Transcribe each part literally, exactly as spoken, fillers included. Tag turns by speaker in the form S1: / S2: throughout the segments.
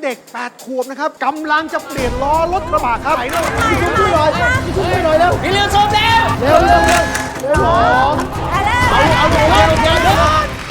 S1: เด็กแปดขวบนะครับกำลังจะเปลี่ยนล้อรถกระบะครับพี่ชุ่มช่วยหน่อยพี่ชุ่มช่วยหน่อยเร็ว
S2: พี่เรือชมแล้ว
S1: เร็วเร็วเร็วเร็วสองเอาเอาเร็วเร็วเร็วเร็ว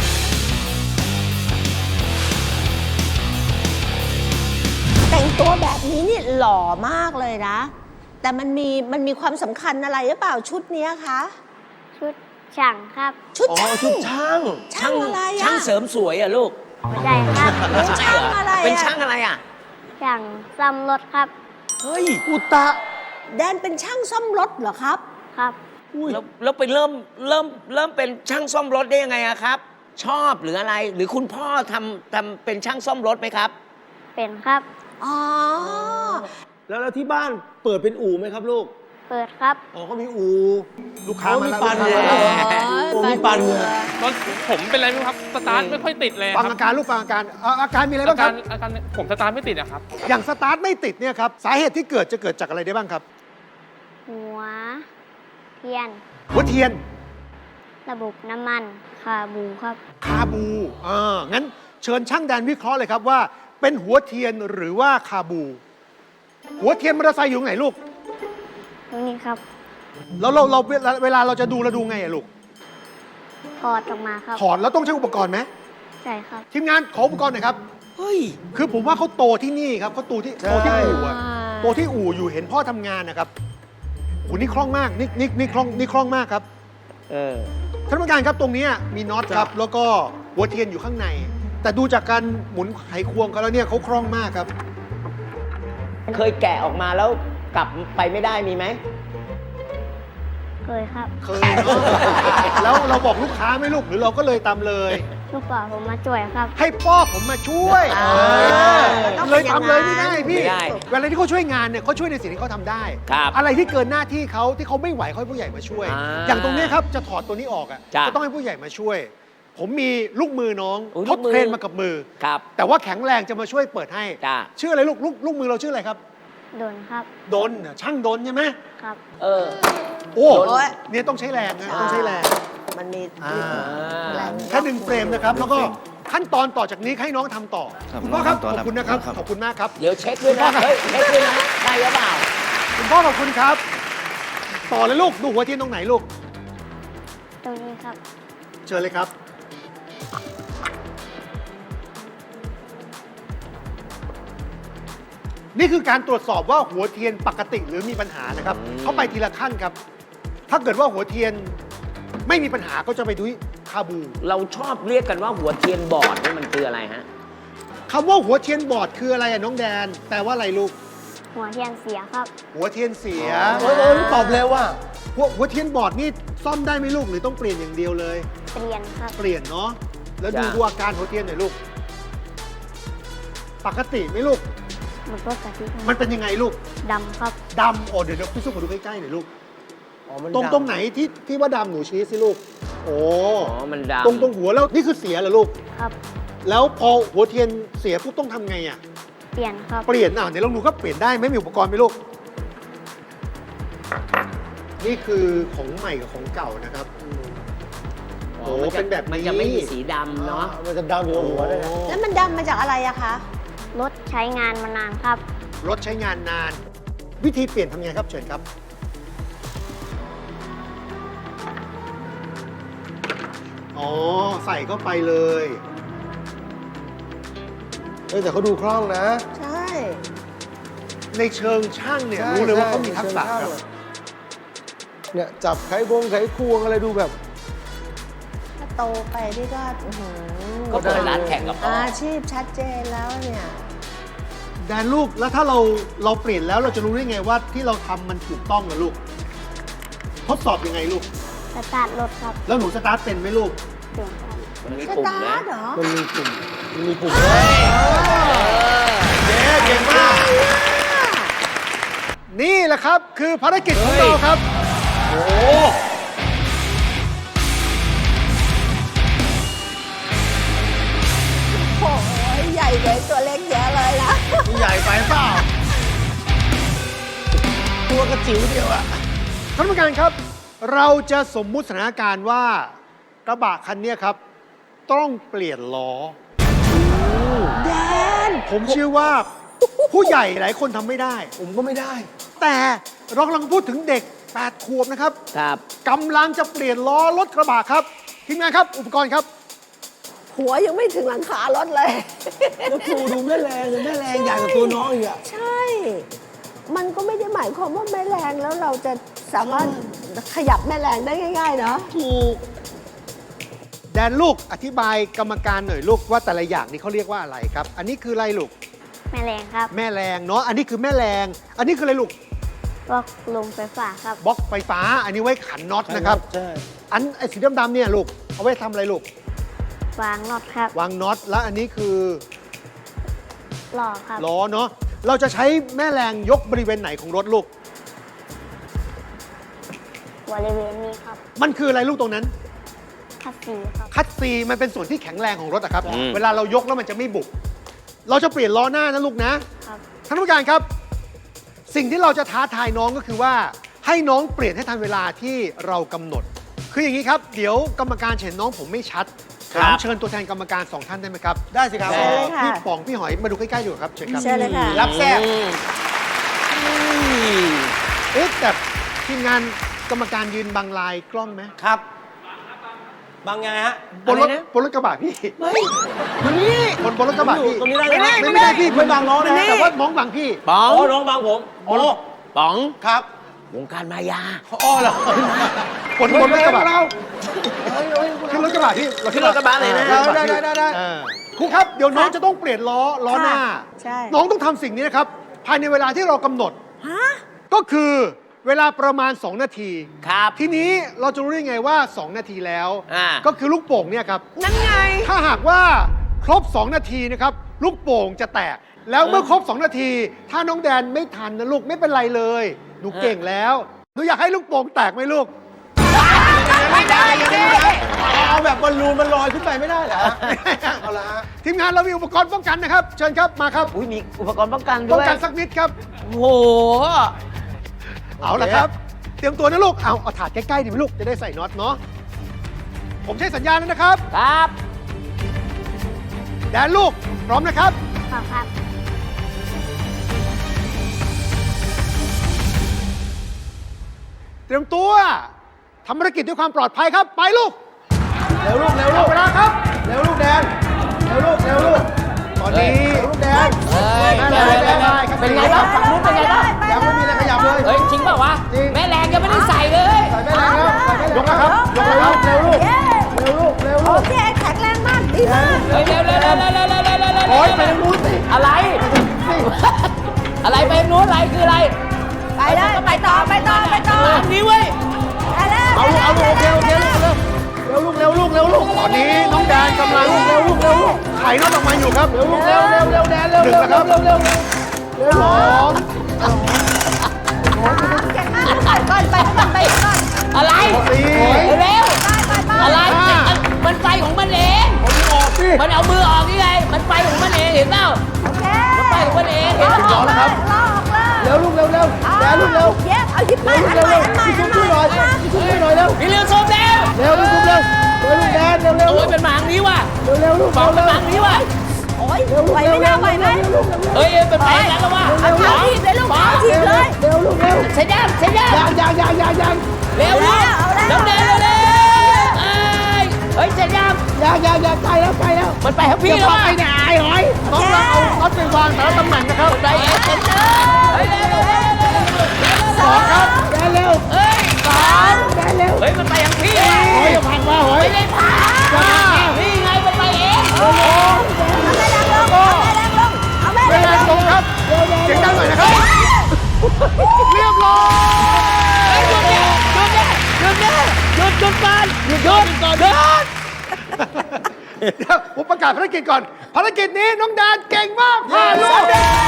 S3: แต่งตัวแบบนี้นี่หล่อมากเลยนะ แต่มันมีมันมีความสำคัญอะไรหรือเปล่าชุดเนี้ยคะ
S4: ชุดช่างครับ
S3: ชุด
S2: อ๋อ
S3: ช่าง
S2: ชุดช่าง
S3: ช่างอะไรอะ
S2: ช่างเสริมสวยอะลูก
S4: ไม่ใช่ครับ
S2: ใช่เหรอ
S3: อะไรอะ
S2: เป็นช่างอะไรอะ
S4: ช่างซ่อมรถครับ
S2: เฮ้ย
S1: อุตะ
S3: แดนเป็นช่างซ่อมรถเหรอครับ
S4: ครับ
S2: แล้วแล้วไปเริ่มเริ่มเริ่มเป็นช่างซ่อมรถได้ยังไงอะครับ ชอบหรืออะไร หรือคุณพ่อทำทำเป็นช่างซ่อมรถไหมครับ
S4: เป็นครับ
S3: อ๋อ
S5: แล้วแล้วที่บ้านเปิดเป็นอู่ไหมครับลูก
S4: เปิดครับ
S5: อ๋อเขามีอู่
S1: ลูกค้ามาแล้ว
S5: โอ้มีปั่น
S1: ลูก
S5: เหร
S1: ค้า
S5: อ
S1: มาแล้ว
S5: โอ้มีปั่นเหรอ
S6: รถผมเป็นอะไรไม่รู้ครับ สตาร์ทไม่ค่อยติดเลยค
S1: ฟั
S6: รั
S1: ง
S6: บ
S1: อาการลูกฟังอาการอ่าอาการมีอะไร
S6: อา
S1: บ้างคั
S6: การร
S1: บ
S6: อาการผมสตาร์ทไม่ติดอะครับ
S1: อย่างสตาร์ทไม่ติดเนี่ยครับสาเหตุที่เกิดจะเกิดจากอะไรได้บ้างครับ
S4: หัว เทียน
S1: หัวเทียน
S4: ระบบน้ำมันคาบูครับ
S1: คาบูอ่างั้นเชิญช่างแดนวิเคราะห์เลยครับว่า เป็นหัวเทียนหรือว่าคาบู หัวเทียนมอเตอร์ไซค์อยู่ตรงไหนลูก
S4: ตรงนี้ครับ
S1: แล้วเราเราเวลาเวลาเราจะดูเราดูไงอะลูก
S4: ถอดออกมาครับ
S1: ถอดแล้วต้องใช้อุปกรณ์ไหม
S4: ใช่ครับ
S1: ทีมงานขออุปกรณ์หน่อยครับ
S2: เฮ้ย
S1: คือผมว่าเขาโตที่นี่ครับเขาโตที่โตที่อู่อะโตที่อู่อยู่เห็นพ่อทำงานนะครับโหนี่คล่องมากนี่นี่นี่คล่องนี่คล่องมากครับ
S2: เออ
S1: ท่านผู้การครับตรงเนี้ยมีน็อตครับแล้วก็หัวเทียนอยู่ข้างใน แต่ดูจากการหมุนไขควงเขาแล้วเนี่ยเขาคล่องมากครับ
S2: เคยแกะออกมาแล้วกลับไปไม่ได้มีไหม
S4: เคยครับ
S1: เคยเนอะแล้วเราบอกลูกค้าไหม่ลูกหรือเราก็เลยตามเลย
S4: ลูกป่าผมมาช่วยครับ
S1: ให้พ่อผมมาช่วย
S3: อ่า
S1: เออ
S3: ต้อง
S1: เล
S3: เป็
S1: ย
S3: นอย่างนั้น
S1: ทำเลยไม่ได้พี่
S2: ไม่ได้
S1: เวลาที่เขาช่วยงานเนี่ยเขาช่วยในสิ่งที่เขาทำได้
S2: ครับ
S1: อะไรที่เกินหน้าที่เขาที่เขาไม่ไหวเขาให้ผู้ใหญ่มาช่วย
S2: อ่า
S1: อย่างตรงเนี้ยครับจะถอดตัวนี้ออกอ่ะ
S2: จ้ะ
S1: ก็ต้องให้ผู้ใหญ่มาช่วย ผมมีลูกมือน้อง
S2: โอ้ย
S1: เขา
S2: ลูกมือ
S1: เทรนมากับมือ
S2: ครับ
S1: แต่ว่าแข็งแรงจะมาช่วยเปิดให้
S2: จ้ะ
S1: ชื่ออะไรลูกลูกลูกมือเราชื่ออะไรครับ
S4: โดนครับ
S1: ดนน่ะช่างดนใช่ไหม
S4: ครับ
S2: เออ
S1: โอ้
S3: โอ้ย
S1: เนี่ยต้องใช้แรงนะ
S3: ใช่
S1: ต้องใช้แรง
S3: มันมี
S1: อ่า
S3: แรง
S1: แค่หนึ่งเฟรมนะครับ แล้วก็ขั้นตอนต่อจากนี้ให้น้องทำต่อ
S5: ครับ
S1: คุณพ่อครับ
S5: น้อง
S1: ข
S5: ทำต่อ
S1: อบคุณนะครับ
S5: ครับ
S1: ขอบคุณมากครับ
S2: เดี๋ยวเช็คด้วยนะเฮ้ยเช็คด้วยนะ ได้หรือเปล่า
S1: คุณพ่อขอบคุณครับ ต่อเลยลูกดูหัวเทียนตรงไหนลูก
S4: ตรงนี้ครับ
S1: เชิญเลยครับ นี่คือการตรวจสอบว่าหัวเทียนปกติหรือมีปัญหานะครับ
S2: อืม
S1: เข้าไปทีละขั้นครับ ถ้าเกิดว่าหัวเทียนไม่มีปัญหาก็จะไปดูที่คาบู
S2: เราชอบเรียกกันว่าหัวเทียนบอดนี่มันคืออะไรฮะ
S1: คำว่าหัวเทียนบอดคืออะไรอะน้องแดนแปลว่าอะไรลูก
S4: หัวเทียนเสียครับ
S1: หัวเทียนเสีย
S5: โอ้ยโอ้ยตอบเร็วว่ะ
S1: หัวหัวเทียนบอดนี่ซ่อมได้ไหมลูกหรือต้องเปลี่ยนอย่างเดียวเลย
S4: เปลี่ยนครับ
S1: เปลี่ยนเนาะแล้วดู
S2: จ้ะ
S1: ดูอาการหัวเทียนหน่อยลูก ปกติไหมลูก
S4: มันก็กะทิ
S1: มันเป็นยังไงลูก
S4: ดำครับ
S1: ดำโอ้เดี๋ยวเดี๋ยวพี่ซุปมาดูใกล้ๆหน่อยลูก
S5: อ๋อมัน
S1: ตรง
S5: ดำ
S1: ตรงไหนที่ที่ว่าดำหนูชี้สิลูก โอ้
S2: อ๋อ มันดำ
S1: ตรงตรงหัวแล้วนี่คือเสียเหรอลูก
S4: ครับ
S1: แล้วพอหัวเทียนเสียปุ๊บต้องทำไงอ่ะ
S4: เปลี่ยนครับ
S1: เปลี่ยนอ่ะเดี๋ยวลองดูครับเปลี่ยนได้ไหมมีอุปกรณ์ไหมลูก นี่คือของใหม่กับของเก่านะครับอืม
S2: อ๋อ
S1: โอ้
S2: มันจะ
S1: เป็นแบบนี้
S2: มันจะไม่มีสีดำเนาะ
S5: มันจะดำอยู่บนหัวเลยนะ
S3: แล้วมันดำมาจากอะไรอะคะ
S4: รถใช้งานมานานครับ
S1: รถใช้งานนาน วิธีเปลี่ยนทำยังไงครับเชิญครับ อ๋อ ใส่เข้าไปเลย
S5: เอ้ยแต่เขาดูคล่องนะ
S3: ใช่
S1: ในเชิงช่างเนี่ย
S5: ใช่
S1: รู้เลยว่า
S5: ใช่
S1: เขามีทักษะครับ
S5: เนี่ยจับไขควงไขควงอะไรดูแบบ
S3: ถ้าโตไปนี่ก็อื้อหือ
S2: ก็เปิดร้านแข่งกับพ่อ
S3: อาชีพชัดเจนแล้วเนี่ย
S1: แดนลูกแล้วถ้าเราเราเปลี่ยนแล้วเราจะรู้ได้ไงว่าที่เราทำมันถูกต้องนะลูก ทดสอบยังไงลูก
S4: สตาร์ทรถครับ
S1: แล้วหนูสตาร์ทเป็นไหมลูก
S4: เปลี่ยนครับ
S2: มันมี
S3: ส
S2: ปุ่ม
S3: ตา
S2: นะ
S3: ร์ทเหรอ
S5: มันมีปุ่มมันมีปุ่ม
S1: เย้เก่งมาก นี่แหละครับ คือภารกิจของเราครับ โอ้
S3: โอ้ยใหญ่กว่าตัวเล็กเยอะเลยนะ
S1: ใหญ่ไปเปล่า
S5: ตัวกระจิ๋วเดียวอะ
S1: ท่านผู้การครับ เราจะสมมุติสถานการณ์ว่ากระบะคันเนี้ยครับ ต้องเปลี่ยนล้อ
S3: แดน
S1: ผมเชื่อว่าผู้ใหญ่หลายคนทำไม่ได้
S5: ผมก็ไม่ได้
S1: แต่เรากำลังพูดถึงเด็กแปดขวบนะครับ
S2: ครับ
S1: กำลังจะเปลี่ยนล้อรถกระบะครับทีมงานครับอุปกรณ์ครับ
S3: หัวยังไม่ถึงหลังคารถเลย
S5: แล้วครูดูแม่แรงเลยแม่แรงใหญ่กว่าตัวน้องอีกอะ
S3: ใช่ มันก็ไม่ได้หมายความว่าแม่แรงแล้วเราจะสามารถขยับแม่แรงได้ง่ายๆเนาะ
S5: ถูก
S1: แดนลูกอธิบายกรรมการหน่อยลูกว่าแต่ละอย่างนี้เขาเรียกว่าอะไรครับ อันนี้คืออะไรลูก
S4: แม่แรงครับ
S1: แม่แรงเนาะอันนี้คือแม่แรง อันนี้คืออะไรลูก
S4: บล็อกลมไฟฟ้าครับ
S1: บล็อกไฟฟ้า อันนี้ไว้ขันน็อตนะครับ
S5: ใช่
S1: อันไอ้สีดำๆเนี่ยลูกเอาไว้ทำอะไรลูก
S4: วางน็อตครับ
S1: วางน็อตแล้วอันนี้คือ
S4: หล่อครับ
S1: ล้อเนาะเราจะใช้แม่แรงยกบริเวณไหนของรถลูก
S4: บริเวณนี้ครับ
S1: มันคืออะไรลูกตรงนั้น
S4: คัสซีครับ
S1: คัตซีมันเป็นส่วนที่แข็งแรงของรถอะครับ
S2: อืม
S1: เวลาเรายกแล้วมันจะไม่บุบเราจะเปลี่ยนล้อหน้านะลูกนะครับ ท่านผู้การครับ สิ่งที่เราจะท้าทายน้องก็คือว่า ให้น้องเปลี่ยนให้ทันเวลาที่เรากำหนด คืออย่างนี้ครับ เดี๋ยวกรรมการเห็นน้องผมไม่ชัด
S2: ครับ
S1: ถามเชิญตัวแทนกรรมการสองท่านได้ไหมครับ
S5: ได้สิครับ
S3: เชิญเลยค่ะ
S1: พี่ป๋องพี่หอยมาดูใกล้ๆดูครับเชิญครับ
S3: เชิญเลยค่ะ
S5: รับแทรก
S2: อืม
S1: เอ๊ะแต่ทีมงานกรรมการยืนบังลายกล้องไหม
S5: ครับ บางไงฮะ
S1: บนรถ
S2: อะไรนะ
S1: บนรถกระบะพี่
S5: ตรงนี้
S1: บนบนรถกระบะพี่
S5: ตรงนี้ได้
S1: ไม่ได้
S5: ไหม
S1: ไม่ได้พี่
S5: ไม่บางน้องนะ
S1: แต่ว่าน้องบังพี่
S2: ป๋อง
S5: อ๋อน้องบางผมโอ้
S2: ป๋อง
S5: ครับ
S2: วงการมายา
S5: อ๋อเหรอบ
S1: นบนรถกระบะ
S5: เราเฮ้ยเฮ้ย
S1: ขึ้นรถกระบะพี่
S2: ขึ้นรถกระบะเลยนะ
S1: ได้ได้ได้ได้ครูครับเดี๋ยวน้องจะต้องเปลี่ยนล้อล้อหน้า
S3: ใช่
S1: น้องต้องทำสิ่งนี้นะครับ ภายในเวลาที่เรากำหนด
S3: ฮะ
S1: ก็คือเวลาประมาณ สอง นาที
S2: ครับ
S1: ทีนี้เราจะรู้ได้ไงว่า สอง นาทีแล้ว
S2: อ่า
S1: ก็คือลูกโป่งเนี่ยครับ
S3: นั่นไง
S1: ถ้าหากว่าครบ สอง นาทีนะครับ ลูกโป่งจะแตก แล้วเมื่อครบ สอง นาที ถ้าน้องแดนไม่ทันนะลูกไม่เป็นไรเลย หนูเก่งแล้วหนูอยากให้ลูกโป่งแตกไหมลูก
S5: ไม่ได้ยังไม่ได้เอาแบบบอลลูนมันลอยขึ้นไปไม่ได้เหรอเอาละฮะ
S1: ทีมงานเรามีอุปกรณ์ป้องกันนะครับ เชิญครับมาครับ
S2: อุ้ยมีอุปกรณ์ป้องกัน
S1: ป้
S2: ด้
S1: อง
S2: วย
S1: กันสักนิดครับ
S2: โอ้โห
S1: เอาละครับ เตรียมตัวนะลูก เอาเอาถาดใกล้ๆดิลูก จะได้ใส่น็อตเนาะ ผมใช้สัญญาณแล้วนะครับ
S2: ครับ
S1: แดนลูก พร้อมนะครับ
S4: ขอบครับ
S1: เตรียมตัวทำภารกิจด้วยความปลอดภัยครับ ไปลูก
S5: เร็วลูกเร็วลู
S1: เอา
S5: ก
S1: เวลาครับ
S5: เร็วลูกแดนเร็วลูกเร็วลูก
S1: ตอนนี้
S5: เร็วลูกแดน
S2: เอ้ย
S1: ได้ได้ได้ได้ครับ
S2: เป็นไงบ้างฝั่งนู้นเป็นไงบ้าง
S5: ยังไม่มีอะไรขยับเลย
S2: เฮ้ยจริงเปล่าวะ
S5: จริง
S2: แม่แรงยังไม่ได้ใส่เลย
S5: ใส่ไม่แรงแล้วใส่ไม่แรง
S1: ยกนะครับ ยกนะครับ
S5: เร็วลูก
S3: เย้
S5: เร็วลูกเร็ว
S3: โอ
S5: ลูก
S3: เค แข็งแรงมาก ดีมาก
S2: เฮ้ยเร็วเร็วเร็วเร็วเร็วเร็วเร็วเร็วเร็ว
S5: โอ้ยไปทางนู้นสิ
S2: อะไร อะไรไปนู้นอะไรคืออะไร
S3: ไปเลยไปต่อ ไปต่อ ไปต่อ
S2: อันนี้เว้ย
S3: ไปเลย
S5: เอาลูกเอาลูกโอเคโอเคลูกเร็วลูกเร็วลูกเร็วลูก
S1: ตอนนี้น้องแดนกำลัง
S5: เร็วลูกเร็วลูก
S1: ไถน็อตออกมาอยู่ครับ
S5: เร็วลูกเร็วเร็วเร็วแดนเร็วเร็วเร็วเร็วเร็วเร็วเร็ว
S1: สอง
S3: เก่งมากไปก่อนไปก่อนไปก่อน
S2: อะไร
S1: สี่
S2: เร็ว
S3: ไปไปไป
S2: อะไร
S1: ห้า
S2: มันไฟของมันเอง
S5: ออกสิ
S2: มันเอามือออกนี่ไง มันไฟของมันเองเห็นเปล่า
S3: โอเค
S2: มันไฟของมันเองเห็น
S3: ล
S2: เป
S3: อ
S2: ล่าก
S3: เลยลอกเลย
S5: เร็วลูกเร็วเร็วแดนลูกเร็ว
S3: เย้เอาหยิบไป
S5: เร็ว
S3: อัน
S5: ลูก
S3: ใหม่
S5: เร็ว
S3: อันใหม่
S5: พี่
S3: อั
S5: ชุบ
S3: นใหม่
S5: ช่วยหน่อยพี่ชุบช่วยหน่อยเร็ว
S2: พี่เร็วโซมเร็ว
S5: เร็วพี่ชุบเร็วเร็วลูกแดนเร็วเร็ว
S2: โอ้ยเป็นหมางนี้ว่ะ
S5: เร็วเร็วลูก
S2: บอก
S5: เร็ว
S2: เป็น
S5: เร็
S2: หมาว งนี้ว่ะ
S3: โอ้ยไหวไหมนะไหวไหม
S2: เฮ้ยเป็นไปแล้วแล้วว่ะ
S3: เอาเท้าถีบเลยลูกเท้าถีบเลย
S5: เร็วลูกเร็ว
S2: ใช่ยังใช่ยัง
S5: ยังยังยังยังยัง
S2: เร็วลูก
S3: เอาแล้ว
S2: น้ำแดงเร็วเอ้ยเฮ้ยเสร็จยัง
S5: ยังยังยังใกล้แล้วใกล้แล้ว
S2: มันไปทั้งพี่แล้วว่ะ
S5: ไปไหนหอย
S1: น้องเราเอาน็อตไปวางแต่ละตำแหน่งนะครับ
S2: ไปเองเฮ้ยเร็วเร็วเร็วเร็ว
S1: สองครับ
S5: แดนเร็ว
S2: เฮ้ยสาม
S5: แดนเร็ว
S2: เฮ้ยมันไปทั้งพี่ว่ะ
S5: หอยอย่าพังมาหอย
S2: ไม่ได้พานี่ไงมันไปเอง
S3: เอาแม่แรงลงเอาแม่แรงลงเอาแม่
S1: เว
S3: แรง
S1: ลา
S3: ล
S1: ตรง
S3: ง
S1: ครับเสียงดังหน่อยนะครับ เรียบร้อย
S2: หยุดเนี่ยหยุดเนี่ยหยุดเนี่ยหยุดหยุดก่อนหยุดหยุดก่อนหยุด
S1: เดี๋ยวผมประกาศภารกิจก่อน ภารกิจนี้น้องแดนเก่งมากผ่านลูก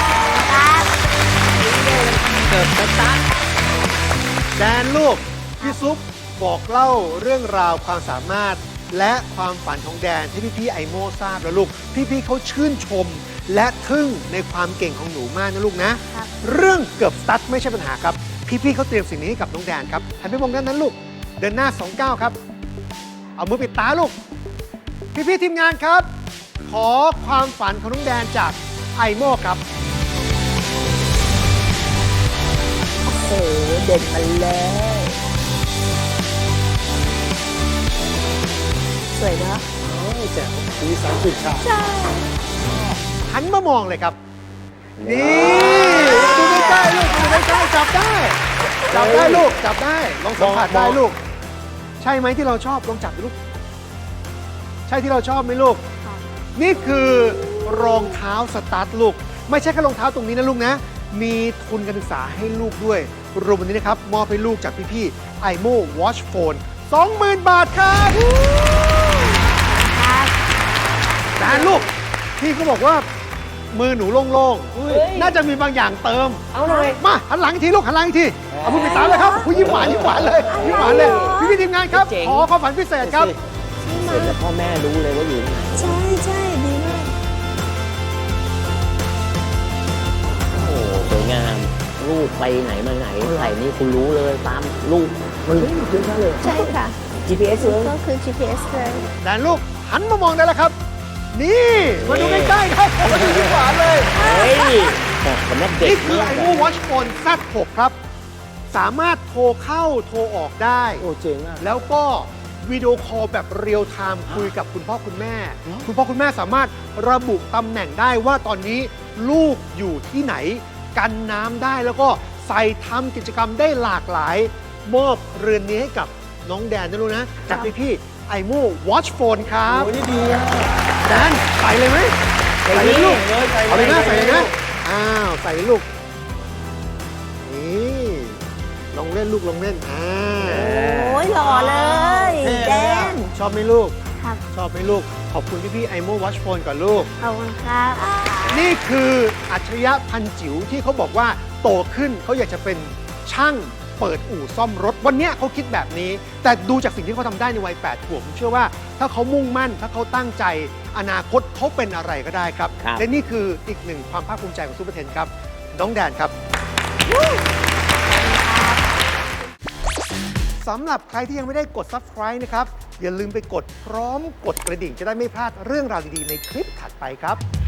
S2: เกิดสตาร์ท
S1: แดนลูก พี่ซุปบอกเล่าเรื่องราวความสามารถ และความฝันของแดนที่พี่ๆไอโม่ทราบแล้วลูก พี่ๆเขาชื่นชม และทึ่งในความเก่งของหนูมากนะลูกนะ เรื่องเกือบสตั๊ดไม่ใช่ปัญหาครับ พี่ๆเขาเตรียมสิ่งนี้ให้กับน้องแดนครับหันไปมองด้านนั้นลูก เดินหน้าสองก้าวครับ เอามือปิดตาลูก พี่ๆทีมงานครับ ขอความฝันของน้องแดนจากไอโมครับ
S3: โอ้โห เด่นมาเลย สวยเนอะ
S5: แจ๋วสีสันสุดฉาด
S3: ใช่
S1: หันมามองเลยครับ นี่ดูใกล้ๆลูกดูใกล้ๆจับได้ จับได้ลูก จับได้ ลองสัมผัสได้ลูก ใช่ไหมที่เราชอบ ลองจับดูลูก ใช่ที่เราชอบไหมลูก นี่คือรองเท้าสตาร์ทลูก ไม่ใช่แค่รองเท้าตรงนี้นะลูกนะ มีทุนการศึกษาให้ลูกด้วย รวมวันนี้นะครับ มอบให้ลูกจากพี่ๆ ไอโม่ Watch Phone สองหมื่น บาทครับแดนลูก พี่ก็บอกว่า มือหนูโล่งๆ น่าจะมีบางอย่างเติม
S2: เอาหน่อย
S1: มาหันหลังอีกทีลูกหันหลังอีกที เอามือไปตามเลยครับผู้ยิ้มหวานยิ้มหวานเลยยิ้มหวานเลย พี่พี่ๆทีมงานครับ
S2: เจ๋ง
S1: ขอความฝันพิเศษครับ
S2: เสร็จแล้วพ่อแม่รู้เลยว่าอยู่ที่ไหน
S3: ใช่ใช่ดีมาก
S2: โอ้โหสวยงาม ลูกไปไหนมาไหนใส่นี่คุณรู้เลยตามลูกมันเฮ้ยเยอะมากเลย
S3: ใช่ค่ะ
S2: จี พี เอส เลย
S3: ก็คือ จี พี เอส เลย
S1: แดนลูกหันมามองได้แล้วครับ นี่มาดูใกล้ๆครับผมมาดูยิ้มหวานเลย
S2: เฮ้ยบอกคนนั้นเด็ก
S1: นี่คือ
S2: มาก
S1: ไอโม่ Watch Phone แซด หก ครับ สามารถโทรเข้าโทรออกได้
S5: โอ้เจ๋งอ่ะ
S1: แล้วก็วิดีโอคอลแบบเรียลไทม์คุยกับคุณพ่อคุณแม่ คุณพ่อคุณแม่สามารถระบุตำแหน่งได้ว่าตอนนี้ลูกอยู่ที่ไหน กันน้ำได้แล้วก็ใส่ทำกิจกรรมได้หลากหลาย มอบเรือนนี้ให้กับน้องแดนนะลูกนะ จากพี่พี่ไอโม่ Watch Phone ครับ
S5: โอ้ยนี่ดีอ่ะ
S1: แดนใส่เลยไหมใส่เลยลูก
S5: เลยใส่
S1: เอาเลยนะ
S5: ใส่
S1: ใส่
S5: เล
S1: เลย ย
S5: นะ
S1: นะ อ้าว ใส่เลยลูก นี่ลองเล่นลูกลองเล่น อ่า
S3: โอ้ยหล่อเลย แดน
S1: ชอบไหมลูก
S4: ครับ
S1: ชอบไหมลูก ขอบคุณพี่พี่ไอโม่ Watch Phone ก่อนลูก
S4: ขอบคุณครับ
S1: นี่คืออัจฉริยะพันจิ๋วที่เขาบอกว่าโตขึ้นเขาอยากจะเป็นช่างเปิดอู่ซ่อมรถ วันเนี้ยเขาคิดแบบนี้ แต่ดูจากสิ่งที่เขาทำได้ในวัยแปดขวบผมเชื่อว่าถ้าเขามุ่งมั่น ถ้าเขาตั้งใจอนาคตเขาเป็นอะไรก็ได้ครับ
S2: ครับ
S1: และนี่คืออีกหนึ่งความภาคภูมิใจของซูเปอร์เทนครับ น้องแดนครับ สำหรับใครที่ยังไม่ได้กด Subscribe นะครับ อย่าลืมไปกดพร้อมกดกระดิ่งจะได้ไม่พลาดเรื่องราวดีๆในคลิปถัดไปครับ